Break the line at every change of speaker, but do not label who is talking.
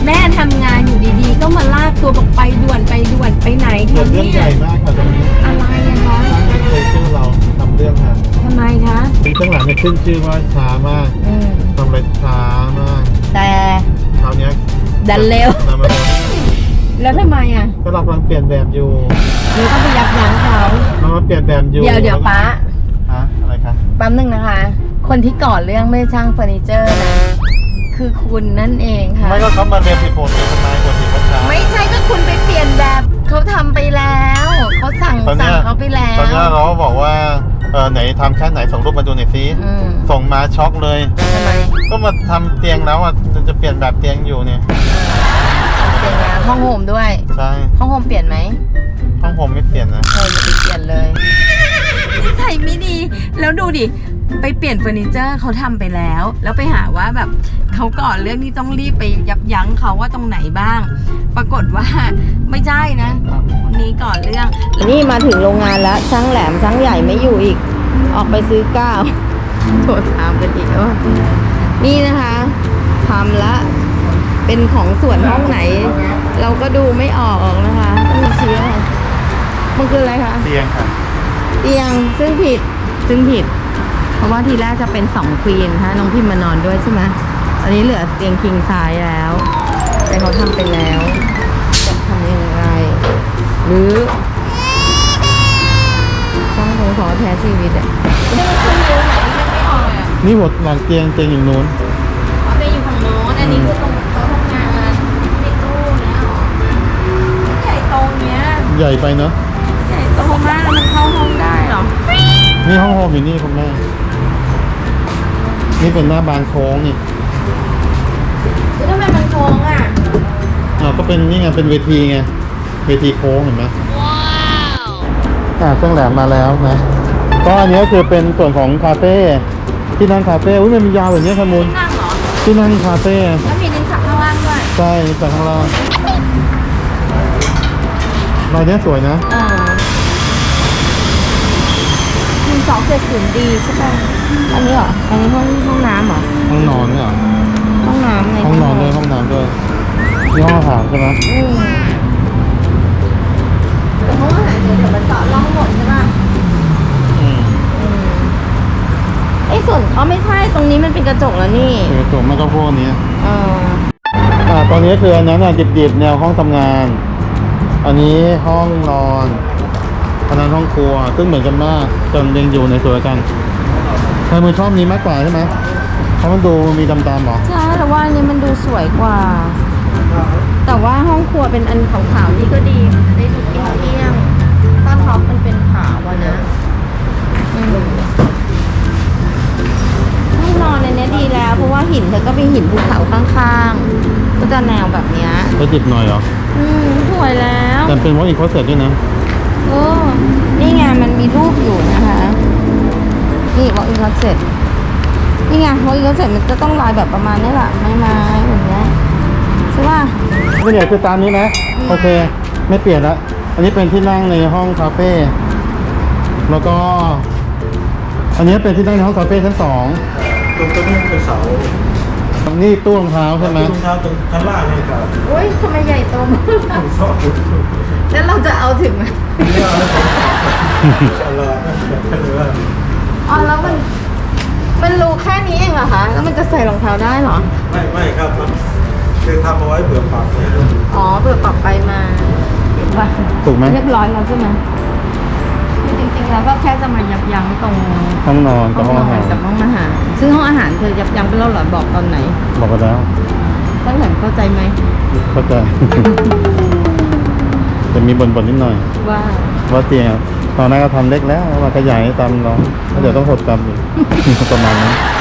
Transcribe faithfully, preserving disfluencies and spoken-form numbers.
แม่ทำงานอยู่ดีๆก็มาลากตัวบอกไปด่วนไปด่วนไปไหน
เกิด
ทำ
เรื่อง
เนี่
ให
ย
ญ่มากค่ะตรงนี้
อะไรอะคะ
ไม่เคยชื่อเราทำเรื่องค่ะ
ทำไมคะ
ปีข้างหลังเนี่ยขึ้นชื่อว่าช้ามาก
อืม
ทำอะไรช้ามาก
แต่
คราวเนี้ย
ดันเร็ว
ทำมาเร็ว
แล้วทำไมอ่ะ
ก็เรากำลังเปลี่ยนแบบอยู่
หรือต้องไปยับยั้งเขา
เรามาเปลี่ยนแบบอยู่
เดี๋ยวเดี๋ยวป้า
ฮะอะไรคะ
แป๊บนึงนะคะ คนที่ก่อเรื่องไม่ใช่ช่างเฟอร์นิเจอร์นะคือคุณนั่นเองค่ะ
ไม่ก็เขามาเรียนผิดโปรตีทำไมกว่าที่เขาช้า
ไม่ใช่ก็คุณไปเปลี่ยนแบบเขาทำไปแล้วเขาสั่ง
ตอน
สั่
เนี้
ง
ย
เขาไปแล้ว
ตอนเนี้ยเราก็บอกว่าเออไหนทำแค่ไหนส่งรูปมาดูหน่อยสิ
อืม
ส่งมาช็อกเลย
ทำไม
ก็มาทำเตียงแล้วอ่ะจะเปลี่ยนแบบเตียงอยู่เนี่ย
เปลี่ยนแล้วห้องโฮมด้วย
ใช่
ห้องโฮมเปลี่ยนไหม
ห้องผมไม่เปลี่ยนนะ
เอออย่าไปเปลี่ยนเลยใส่ไม่ดี แล้วดูดิ ไปเปลี่ยนเฟอร์นิเจอร์เขาทำไปแล้ว แล้วไปหาว่าแบบเขาก่อนเรื่องนี้ต้องรีบไปยับยั้งเขาว่าตรงไหนบ้าง ปรากฏว่าไม่ใช่นะคนนี้ก่อนเรื่อง นี่มาถึงโรงงานแล้วช่างแหลมช่างใหญ่ไม่อยู่อีก ออกไปซื้อก้าวโทรถามกันอีกว่านี่นะคะทำละเป็นของส่วนห้องไหน เราก็ดูไม่ออกนะคะต้องมีชี้อะไรมันคืออะไรคะ
เตียงค่ะ
เตียงซึ่งผิดซึ่งผิด เพราะว่าทีแรกจะเป็นสองควีนค่ะน้องพิมมานอนด้วยใช่ไหมตอนนี้เหลือเตียงคิงไซส์แล้ว แต่เขาทำไปแล้วจะทำยังไงหรือช่างคงขอแท้ชีวิตอ่ะนี่มันคืออยู่ไหนที่มันไม่ออกอ่ะ
นี่หมดหลังเตียงเตียงอย่างนู้น
เอาไปอยู่ฝั่งโน้นอันนี้คือตรงโต๊ะทำงานในตู้เนี้ยหรอใหญ่โตเนี้ย
ใหญ่ไปเนอะ
ใหญ่โตมากแล้วมันเข้าห้องได้เหรอ
นี่ห้องโฮมอยู่นี่คุณแม่นี่เป็นหน้าบานโค้งนี่
คือทำไมมันโค้งอ่ะ
อ่าก็เป็นนี่ไงเป็นเวทีไงเวทีโค้งเห็นไหมว้าวอ่าเครื่องแหลมมาแล้วนะก็อันนี้ก็คือเป็นส่วนของคาเฟ่ที่นั่งคาเฟ่อุ้ยมันมียาวแบบนี้ครับมูล
นั่งเหรอ
ที่นั่งคาเฟ่
แล้วมีลิ้นชักข้างล่างด้วย
ใช่จากข้างล่างลายนี้สวยนะ
อ่าหนึ่งสองเจ็ดศูนย์ดีใช่ป่ะ อันนี้เหรอ อันนี้ห้องห้องน้ำเหรอ
ห้องนอนเนี่ยเหรอ
ห้องน้ำไง
ห้องนอนด้วยห้องน้ำด้วยนี่ห้องอาหารใช่ไหม
อืมแต่ห้องอาหารเดี๋ยวเดี๋ยวมันต่อร่องหมดใช่ป่ะ
อืม
อืมไอ้ส่วนอ๋อไม่ใช่ตรงนี้มันเป็นกระจกแล้วนี่
คือตัวมันก็พวกนี้
เออ
อ่าตอนนี้คืออันนั้นอ่ะดิบๆแนวห้องทำงาน อันนี้ห้องนอนอันนั้นห้องครัวซึ่งเหมือนกันมากจนยังอยู่ในสวยกันใครมือชอบนี้มากกว่าใช่ไหมเพราะมันดูมีดำๆหรอ
ใช่แต่ว่าอันนี้มันดูสวยกว่า แต่ว่าห้องครัวเป็นอันขาวๆนี่ก็ดีมันจะได้ดูเอี้ยงๆต้านท็อปมันเป็นขาวอะนะอืมห้องนอนอันเนี้ยดีแล้ว เพราะว่าหินเธอก็เป็นหินภูเขาข้างๆก็จะแนวแบบเนี้ย
จะดิบหน่อยเหรอ
อืมสวยแล้ว
แต่เป็นวอล์กอินคลอสเซ็ตด้วยนะ
โอ้นี่ไงมันมีรูปอยู่นะคะนี่วอล์กอินคลอสเซ็ตนี่ไงวอล์กอินคลอสเซ็ตมันจะต้องลายแบบประมาณนี้แหละไม้ๆอย่างเงี้ยใช่ป่ะ
ก็เดี๋ยวคือตามนี้นะโอเคไม่เปลี่ยนละอันนี้เป็นที่นั่งในห้องคาเฟ่แล้วก็ อันนี้เป็นที่นั่งในห้องคาเฟ่ชั้นสอง
ตรงนี้เป็นเสา
นี่ตู้รองเท้าใช่ไหม
รองเท้าตรงชั้นล่างนี่ครับ
โอ้ยทำไมใหญ่โตมาก
ชอบดู
แล้วเราจะเอาถึงไหม
นี่อะไรอะไรอะไร
อ๋อแล้วมันมันรูแค่นี้เองเหรอคะแล้วมันจะใส่รองเท้าได้เหรอ
ไม่ไม่ครับมันคือทำเอาไว้เผื่อปรับเนี่ย
อ๋อเปิดปรับไปมาว่า
ถูกไหม
เรียบร้อยแล้วใช่ไหมคือจริงๆแล้วก็แค่จะมายับยั้งตรง
ห้องนอน
ห้
กับ
อง
ห้อง
นอ
อาหาร
นกับห้องอาหารซึ่งห้องอาหารเธอยับยั้งไปแล้วเหรอบอกตอนไหน
บอกไปแล้ว
ตั้งแต่เข้าใจไหม
เข้าใจ จะมีบ่นๆนิดหน่อย
ว่า
ว่าเตียงตอนนั้นก็ทำเล็กแล้วมาขยายตามเราแล้วเดี๋ยวต้องหดตามอีก ประมาณนั้น